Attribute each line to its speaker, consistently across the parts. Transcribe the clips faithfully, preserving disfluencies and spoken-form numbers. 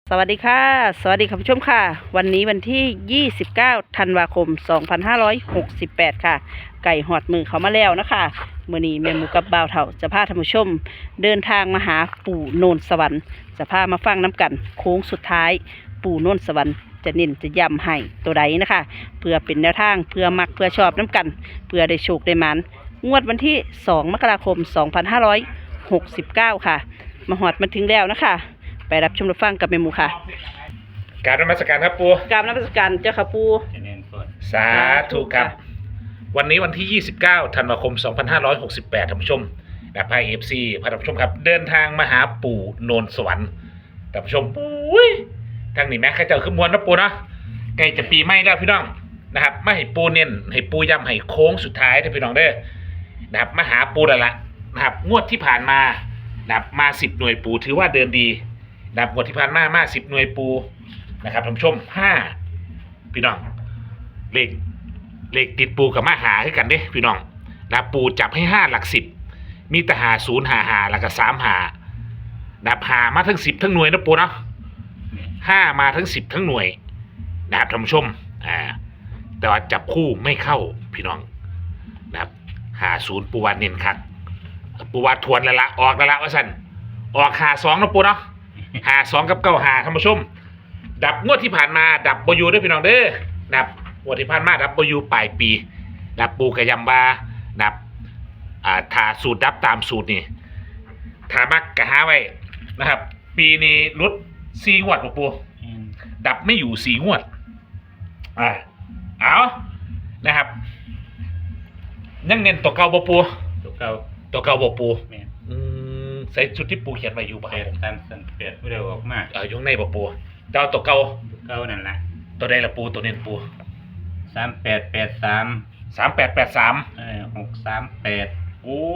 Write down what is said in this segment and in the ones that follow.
Speaker 1: สวัสดีค่ะสวัสดีคุณผู้ชมค่ะวันนี้วันที่ยี่สิบเก้าธันวาคมสองพันห้าร้อยหกสิบแปดค่ะไก่หอดมือเขามาแล้วนะคะมื้อนี้แม่หมูกับบ่าวเฒ่าจะพาท่านผู้ชมเดินทางมาหาปู่โนนสวรรค์จะพามาฟังน้ำกันโค้งสุดท้ายปู่โนนสวรรค์จะเน้นจะย้ำให้ตัวใดนะคะเพื่อเป็นแนวทางเพื่อมักเพื่อชอบน้ำกันเพื่อได้โชคได้หมานงวดวันที่สองมกราคมสองพันห้าร้อยหกสิบเก้าค่ะมาหอดมาถึงแล้วนะคะไปรับชมรับฟังกับแม่หมูค่ะ
Speaker 2: กรารนมัสการครับปู
Speaker 1: กราบนมัสการเจ้าค่ะปู
Speaker 2: สาธุครับวันนี้วันที่ยี่สิบเก้าธันวาคมสองพันห้าร้อยหกสิบแปดท่านผู้ชมและพายเอฟซีพาท่านผู้ชมครับเดินทางมาหาปู่โนนสวรรค์ท่านผู้ชมปุ้ยทางนี้แม่ข้าเจ้าขึ้นมวลนะปูนะใกล้จะปีใหม่แล้วพี่น้องนะครับมาให้ปูเน้นให้ปูย้ำให้โค้งสุดท้ายท่านพี่น้องเด้อนะครับมาหาปูแล้วล่ะนะครับงวดที่ผ่านมานะครับมาสิบหน่วยปูถือว่าเดินดีนะครับงวดที่ผ่านมามาสิบหน่วยปูนะครับท่านผู้ชมห้าพี่น้องเลขเลขติดปูกับมาหาให้กันเด้พี่น้องนะปูจับให้ห้าหลักสิบมีแต่หาศูนย์หาหาแล้วก็สามหานับหามาทั้งสิบทั้งหน่วยนะปูเนาะห้ามาทั้งสิบทั้งหน่วยนะครับท่านผู้ชมอ่าแต่ว่าจับคู่ไม่เข้าพี่น้องนะครับหาศูนย์ปูวานเน้นคักปูวาทวนแล้วละออกแล้วละว่าสันออกหาสองนะปูเนาะหาสองกับเก้าหาท่านผู้ชมดับงวดที่ผ่านมาดับบยูด้วยพี่น้องเด้อดับงวดที่ผ่านมาดับบยูปลายปีดับปูกระยำบาดับอ่าถ้าสูตรดับตามสูตรนี่ถ้ามักกะหาไว้นะครับปีนี้ลดสี่งวดหลวงปูดับไม่อยู่สี่งวดอ่าเอานะครับยังเน้นตัวเก่าบ่ปู
Speaker 3: ตัวเก่า
Speaker 2: ตัวเก่าบ่ปูอืมใส่ชุดที่ปูเขียนไว้อยู่ป่ะครับ
Speaker 3: ตามสันเปลี่ยนเร็วออกมาก
Speaker 2: เอออยู่ในบ่ปูดาวตัวเก่า
Speaker 3: ตัวเก่านั่นแหละ
Speaker 2: ตัวใดละปูตัวเน้นปู
Speaker 3: สามแปดแปดสาม
Speaker 2: สามแปดแปดสาม
Speaker 3: เออหกสามแปด
Speaker 2: โอ้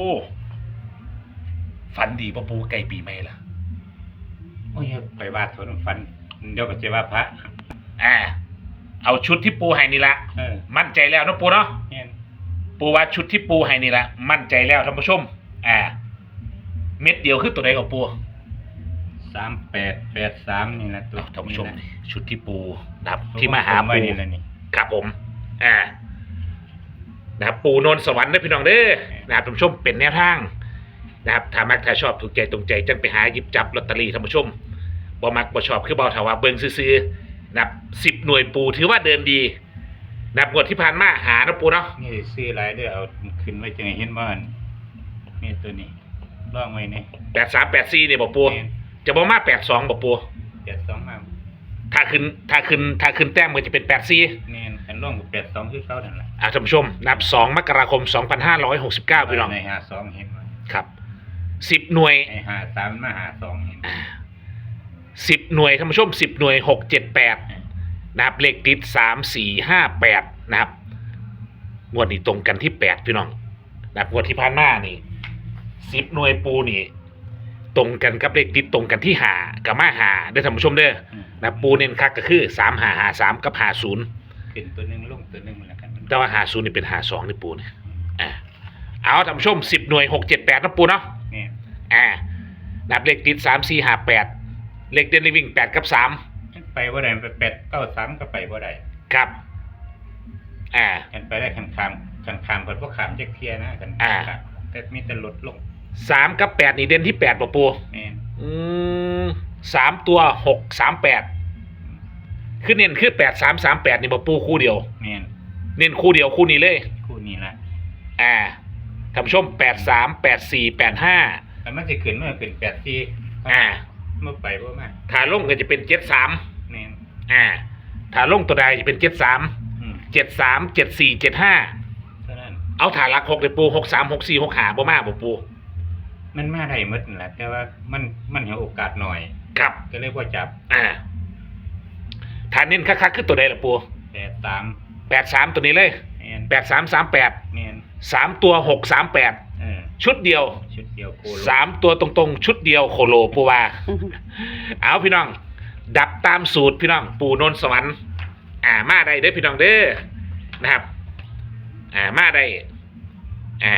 Speaker 2: ฝันดีป่ะปูไก่ปีใหม่ล่ะ
Speaker 3: โอ้ยไปวาดสวนฟันเดี๋ยวก็จะว่าพระ
Speaker 2: อ่าเอาชุดที่ปูให้นี่ละมั่นใจแล้วนะปูเนาะปูว่าชุดที่ปูให้นี่ละมั่นใจแล้วท่านผู้ชมอ่าเม็ดเดียวคือตัวใดกับปู
Speaker 3: สามแปดแปดสามนี่แหละตัว
Speaker 2: ท่านผู้ชมชุดที่ปูนะครับที่มาหาปู
Speaker 3: นี่แหละนี่
Speaker 2: ครับผมอ่านะครับปูโนนสวรรค์นะพี่น้องเด้อนะครับท่านผู้ชมเป็นแนวทางนะครับถ้ามักถ้าชอบถูกใจตรงใจจังไปหาหยิบจับลอตเตอรี่ท่านผู้ชมบ่มักบ่ชอบคือบ่ถาว่าเบิ่งซื่อๆนะครับสิบหน่วยปูถือว่าเดินดีนับงวดที่ผ่านมาหานะปูเนาะ
Speaker 3: นี่ซื้อหลายเด้อเอาขึ้นไว้จังเห็นบ่นี่ตัวนี้ล่องไว้นี่
Speaker 2: แปดสามแปดสี่เนี่ยบ่ปูจะบ่มาแปดสองบ่ปู
Speaker 3: แปดสองมา
Speaker 2: ถ้าขึ้นถ้าขึ้นถ้าขึ้นแต้มมันจะเป็นแปดสี่
Speaker 3: นี่อันล่องกับแปดสองคือเก่านั่นแหละ
Speaker 2: อ่าท่านผู้ชมนับสองมกราคมสองพันห้าร้อยหกสิบเก้าพี่น้อง
Speaker 3: ในหาสองเห็นมั้ย
Speaker 2: ครับสิบหน่วย
Speaker 3: ไอ้หาสามมาหาสองเห็น
Speaker 2: สิบหน่วยท่านผู้ชมสิบหน่วยหกเจ็ดแปดนะครับเลขติดสามสี่ห้าแปดนะครับงวดนี้ตรงกันที่แปดพี่น้องนะครับงวดที่ผ่านมานี่สิบหน่วยปูนี่ตรงกันกับเลขติดตรงกันที่หากับมาหาได้ท่านผู้ชมเด้อนะปูเน้นคักก็คือสามหาหาสามกับหาศูนย์
Speaker 3: เป็นตัวหนึ่งลงตัวหนึ่งแล้วกัน
Speaker 2: แต่ว่าหาศูนย์นี่เป็นหาสองนี่ปูเนี่ยอ่าเอาท่านผู้ชมสิบหน่วยหกเจ็ดแปดนะปูเนาะอ่านับเลขติดสามสี่หาแปดเลขเด่นวิ่งแปดกับสาม
Speaker 3: ไปว่าได้ไปแปดเก้าสามก็ไปว่าได้
Speaker 2: ครับอ่า
Speaker 3: กันไปได้ขันคามขันคามเปิดพวกขามเจ๊กเทียนะกัน
Speaker 2: อ่า
Speaker 3: แต่มีแต่ลดลง
Speaker 2: สามกับแปดนี่เด่นที่แปดป่ะปูอืมสามตัวหกสามแปดคือเน้นคือแปดสามสามแปดนี่ป่ะปูคู่เดียวเน้นคู่เดียวคู่นี้เลย
Speaker 3: คู่นี้แหละ
Speaker 2: อ่าท่านผู้ชมแปดสามแปดสี่แปดห้า
Speaker 3: แต่มันจะขึ้นเมื่อขึ้นแปดสี่
Speaker 2: อ่า
Speaker 3: เมื่อไปว่ามา
Speaker 2: ถ้าลงก็จะเป็นเจ็ดสามอ่าถ้าลงตัวใดจะเป็นเจ็ดสามเจ็ดสามเจ็ดสี่เจ็ดห้าเอาฐานหลักหกเลยปูหกสามหกสี่หกหาบ่มาบ่ปู
Speaker 3: มันมาได้หมดนั่นแหละแต่ว่ามันมันเห็นโอกาสหน่อย
Speaker 2: ครับ
Speaker 3: ก็เลยว่าจับ
Speaker 2: อ่าฐานเน้นคักๆคือตัวใดล่ะปู
Speaker 3: แปดสาม
Speaker 2: แปดสามตัวนี้เลยแปดสามสามแปดสามตัวหกสามแปดชุดเดียว
Speaker 3: ชุดเดียวโคโล
Speaker 2: สามตัวตรงๆชุดเดียวโคโลปูว่าเอาพี่น้องดับตามสูตรพี่น้องปู่โนนสวรรค์อ่ามาได้เด้อพี่น้องเด้อนะครับอ่ามาได้อ่า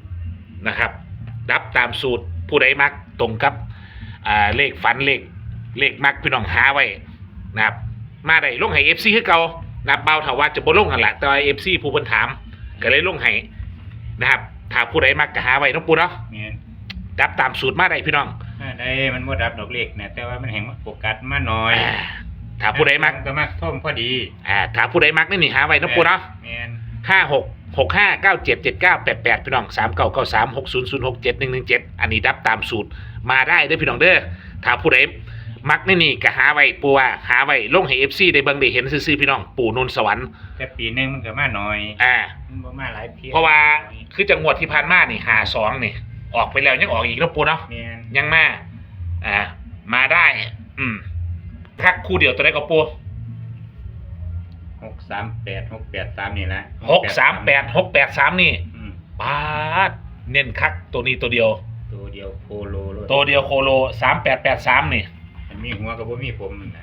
Speaker 2: นะครับดับตามสูตรผู้ใดมักตรงกับอ่าเลขฝันเลขเลขมักพี่น้องหาไว้นะครับมาได้ลงให้ เอฟ ซี คือเก่านะครับเบาเถาว่าจะบ่ลงกันละแต่ว่า เอฟ ซี ผู้เพิ่นถามก็เลยลงให้นะครับถ้าผู้ใดมักก็หาไว้เนาะปูเนาะ
Speaker 3: แม่น
Speaker 2: ดับตามสูตรมาได้พี่น้อง
Speaker 3: ถ้าได้มันบ่ดับดอกเล็กนะแต่ว่ามันแห่งโฟกัสมาหน่อย
Speaker 2: อ่าถ้าผู้ใดมัก
Speaker 3: ก็มักท่อมพอดี
Speaker 2: อ่าถ้าผู้ใดมักนี่นี่หาไว้เนาะปูเนาะ
Speaker 3: แม่น
Speaker 2: ห้าหกหกห้าเก้าเจ็ดเจ็ดเก้าแปดแปดพี่น้องสามเก้าเก้าสามหกศูนย์ศูนย์หกเจ็ดหนึ่งหนึ่งเจ็ดอันนี้ดับตามสูตรมาได้เด้อพี่น้องเด้อถ้าผู้ใดมักนี่นี่ก็หาไว้ปูว่าหาไว้ลงให้ เอฟ ซี ได้เบิ่งได้เห็นซื่อๆพี่น้องปู่นนท์สวรรค์
Speaker 3: แต่ปีหนึงมันก็มาหน่อย
Speaker 2: อ่า
Speaker 3: มันบ่มาหลายเที่ย
Speaker 2: เพราะว่าคือจังหวัดที่ผ่านมานี่หาสองนี่ออกไปแล้วยังออกอีกเนาะปูเนาะ
Speaker 3: แม่น
Speaker 2: ยังมาอ่ามาได้ อืมทักคู่เดียวตัวได้ก็ปู
Speaker 3: หกสามแปด หกแปดสามนี่แหละ
Speaker 2: หกสามแปดหกแปดสามนี่
Speaker 3: อืม
Speaker 2: ปาดเน้นคักตัวนี้ตัวเดียว
Speaker 3: ตัวเดียวโคโลเลย
Speaker 2: ตัวเดียวโคโลสามแปดแปดสามนี่
Speaker 3: มันมีหัวกับบ่มีผมนั่นน่ะ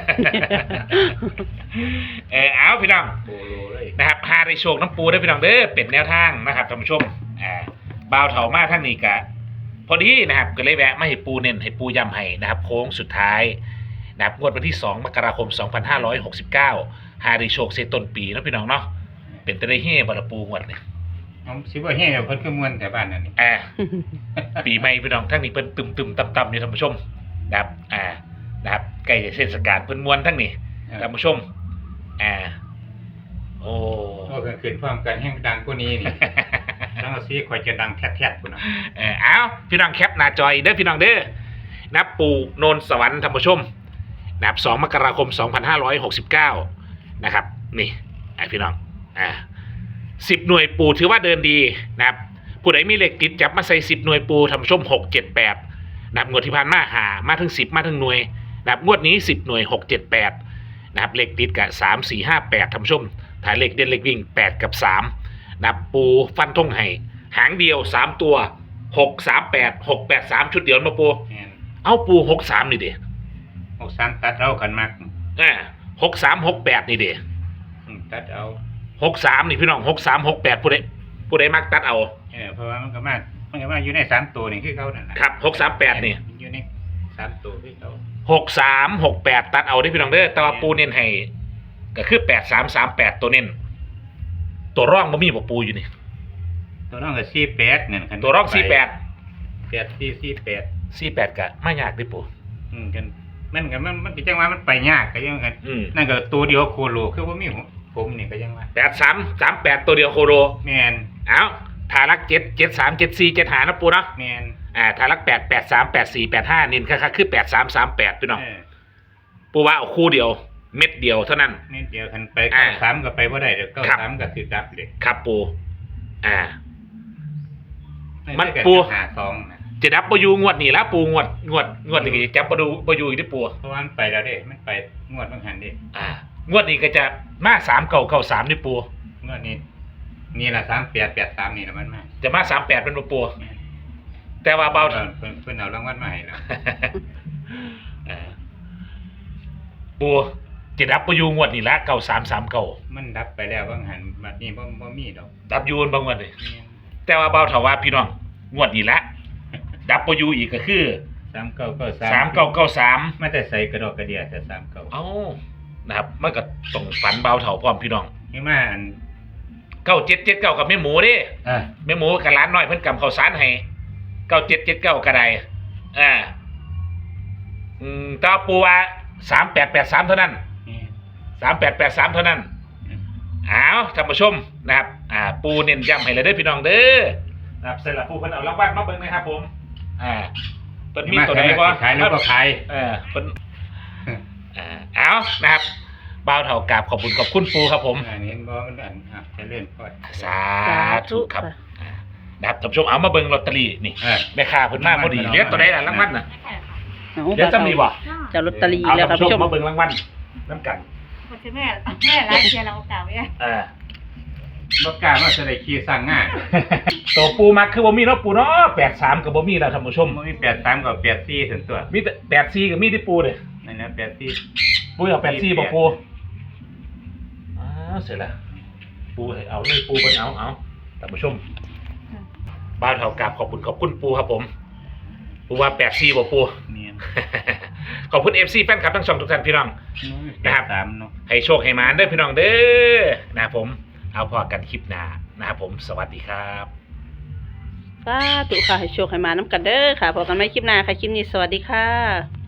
Speaker 2: เออเอาพี่น้อง
Speaker 3: โคโลเลย
Speaker 2: นะครับหาได้โชคน้ำปูได้อพี่น้องเด้อเป็นแนวทางนะครับท่านผู้ชมอ่าบ่าวเถามาทั้งนี้กะพอดีนะครับก็เลยแวะมาให้ปูเน้นให้ปูย้ำให้นะครับโค้งสุดท้ายนะครับงวดวันที่สองมกราคมสองพันห้าร้อยหกสิบเก้าหาได้โชคเซต้นปีเนาะพี่น้องเนาะเป็นตะได้เฮ่บาราปูงวดนี่
Speaker 3: เอาสิบ่แฮ่เพิ่นคือม่วนแต่บ้านนั่นนี่
Speaker 2: อ่า ปีใหม่พี่น้องทั้งนี้เพิ่นตึมตึมต่ำต่ำๆอยู่ท่านผู้ชมนะครับอ่านะครับใกล้จะเทศกาลเพิ่นมวนทั้งนี้ท่านผู้ชมอ่าโอ้
Speaker 3: โอ้เพิ่นขึ้นพร้อมกันแห่งดังกว่านี้นี่ ทั้งสีข่อยจะดังแท้ๆพุ่นน่ะ
Speaker 2: เออเอาพี่น้องแคปหน้าจอยเด้อพี่น้องเด้อนับปู่โนนสวรรค์ท่านผู้ชมนับสองมกราคมสองพันห้าร้อยหกสิบเก้านะครับนี่อ่ะพี่น้องอ่าสิบหน่วยปู่ถือว่าเดินดีนะครับผู้ใดมีเลขติดจับมาใส่สิบหน่วยปู่ท่านผู้ชมหกเจ็ดแปดนับงวดที่ผ่านมาหามาถึงสิบมาถึงหน่วยนับงวดนี้สิบหน่วยหกเจ็ดแปดนะครับเลขติดกับสามสี่ห้าแปดท่านผู้ชมถ่ายเลขเด่นเลขวิ่งแปดกับสามนับปูฟันทงให้หางเดียวสามตัวหกสามแปดหกแปดสามชุดเดียวมาปู
Speaker 3: แม่น
Speaker 2: เอาปูหกสามนี่เด้
Speaker 3: หกสามตัดเอากันมัก
Speaker 2: อ่าหกสามหกแปดนี่เด้
Speaker 3: อืมตัดเอา
Speaker 2: หกสามนี่พี่น้องหกสามหกแปดผู้ใดผู้ใดมักตัดเอา
Speaker 3: เออเพราะว่ามันก็มามันก็มาอยู่ในสามตัวนี่คือเขานั่นน่ะ
Speaker 2: ครับหกสามแปดนี่
Speaker 3: มันอยู่ในสามตัวคือเขา
Speaker 2: หกสามหกแปดตัดเอาได้อพี่น้องเด้อแต่ว่าปูเน้นให้ก็คือแปดสามสามแปดตัวเน้นตัวร่องบ่มีบ่ปูอยู่นี่
Speaker 3: ตัวน้องก็สี่แปดนั่นคัน
Speaker 2: ตัวร่องสี่แปด
Speaker 3: แปดสี่สี่แปด
Speaker 2: สี่แปดกะไม่ยากเดิปู
Speaker 3: อืมกันมันก็มันมันเป็นจังว่ามันไปยากก็ยังกัน
Speaker 2: อืม
Speaker 3: นั่นก็ตัวเดียวโคโลคือว่ามีหัวผมนี่ก็ยังว่า
Speaker 2: แปดสามสามแปดตัวเดียวโคโร
Speaker 3: แม่น
Speaker 2: เอาทารักเจ็ดเจ็ดสามเจ็ดสี่เจ็ดหานะปูเนาะ
Speaker 3: แม่น
Speaker 2: อ่าทารักแปดแปดสามแปดสี่แปดห้านินค่ะคือแปดสามสามแปดพี่น้อง
Speaker 3: เออ
Speaker 2: ปูว่าเอาคู่เดียว เม็ดเดียวเท่านั้น
Speaker 3: นิดเดียวคันไป
Speaker 2: อ่า
Speaker 3: เก้าสามก็ไปบ่ได้เดี๋ยวเก้า
Speaker 2: ครับ
Speaker 3: สามก็ถือดับเลย
Speaker 2: ครับปูอ่า
Speaker 3: ไได้
Speaker 2: มัน
Speaker 3: ก็
Speaker 2: ปู
Speaker 3: หาสองนะ
Speaker 2: จะดับปยูงวดนี่แล้วปูงวดงวดงวดนี่จับปดูปยูอีกที่ปู
Speaker 3: เพราะว่ามันไปแล้วเด้มันไปงวดบางหันเด้
Speaker 2: อ่างวดนี้ก็จะมาสามเก่าเก่าสามนี่ปู
Speaker 3: งวดนี้นี่ละสามแปดแปดสามนี่ละมันมา
Speaker 2: จะมาสามแปดเป็นบ่ปูแต่ว่าเบา
Speaker 3: เออเพิ่นเพิ่นเอารางวัลมาให้แล้ว
Speaker 2: อ่าปูจะดับปยูงวดนี่ละเก่าสามสามเก่า
Speaker 3: มันดับไปแล้วบางหันบัดนี้บ่บ่มีดอก
Speaker 2: ดับยูนบางวันเลย
Speaker 3: แม่น
Speaker 2: แต่ว่าเบาเถาว่าพี่น้องงวดนี้ละดับปยูอีกก็คือ
Speaker 3: สามเก้าเก้าสาม
Speaker 2: สามเก้าเก้าสาม
Speaker 3: มาแต่ใส่กระดอกกระเดียแต่สามเก้า
Speaker 2: เอ้านะครับมันก็ต้องฝันเบาเถาพร้อมพี่น้อง
Speaker 3: นี่มาอัน
Speaker 2: เก้าเจ็ดเจ็ดเก้ากับแม่หมูเด้
Speaker 3: อ่ะ
Speaker 2: แม่หมูกับร้านน้อยเพิ่นกำข้าวสารให้เก้าเจ็ดเจ็ดเก้ากระไดอ่าอืมแตว่าปูว่าสามแปดแปดสามเท่านั้น
Speaker 3: นี่
Speaker 2: สามแปดแปดสามเท่านั้น
Speaker 3: อืม
Speaker 2: อ้าวท่านผู้ชมนะครับ อ่า ปูเน้นย้ำให้เลยเด้อพี่น้องเด้อนะครับเสร็จแล้วปูเพิ่นเอารางวัลมาเบิ่งนะครับผม อ่าเพิ่นมีตัวไหนบ่
Speaker 3: ขายแล้วก็ขาย
Speaker 2: เออเพิ่นอ่าเอานะครับบ่าวเฒ่ากราบขอบคุณขอบคุณปูครับผม
Speaker 3: อันนี้เห็นบ่มันอันอ่ะจะเล่นพอด
Speaker 2: สาธุครับอ่านะครับท่านผู้ชมเอามาเบิ่งลอตเตอรี่นี่
Speaker 3: เออ
Speaker 2: แม่ค้าเพิ่นมาพอดีเหลือตัวใดล่ะรางวัลน่ะ
Speaker 1: เอา
Speaker 2: เดี๋ยวจะมีบ่
Speaker 1: จะลอตเตอรี่
Speaker 2: เอา
Speaker 1: แล้วค
Speaker 2: ท่า
Speaker 1: รั
Speaker 2: น
Speaker 1: บ
Speaker 2: ผู้ช
Speaker 1: ผู้
Speaker 2: ม
Speaker 1: ชม
Speaker 2: มาเบิ่งรางวัลน้ำกัน
Speaker 4: มันจะแม่แม่ร้านเชียร์เราเก่าเนี่ย
Speaker 2: อ่า
Speaker 3: บ่กล้าว่าจะได้ขี่สร้างงาน
Speaker 2: ตัวปูมักคือบ่มีเนาะปูเนาะแปดสามก็บ่มีแล้วท่านผู้ชม
Speaker 3: มันมีแปดสามกับแปดสี่ถึงตัว
Speaker 2: มีแต่แปดสี่ก็มีที่ปูเด้
Speaker 3: นั่นนะแปดสี่
Speaker 2: ปูเอาแปดสี่บ่ปูอ้าวเสร็จแล้วปูให้เอาเลยปูเพิ่นเอาเอาท่านผู้ชมบ้านเฒ่ากราบขอบคุณขอบคุณปูครับผมปูว่าแปดสี่บ่ปู
Speaker 3: เนี่ย
Speaker 2: ขอบคุณ เอฟ ซี แฟนคลับทั้งสองทุกท่านพี่น้อง นะครับ
Speaker 3: สามเนาะ
Speaker 2: ให้โชคให้มานเด้อพี่น้องเด้อนะครับผมเอาพอกันคลิปหน้านะครับผมสวัสดีครับ
Speaker 1: สาธุค่ะให้โชคให้มาน้ำกันเด้อค่ะพบกันใหม่คลิปหน้าค่ะคลิปนี้สวัสดีค่ะ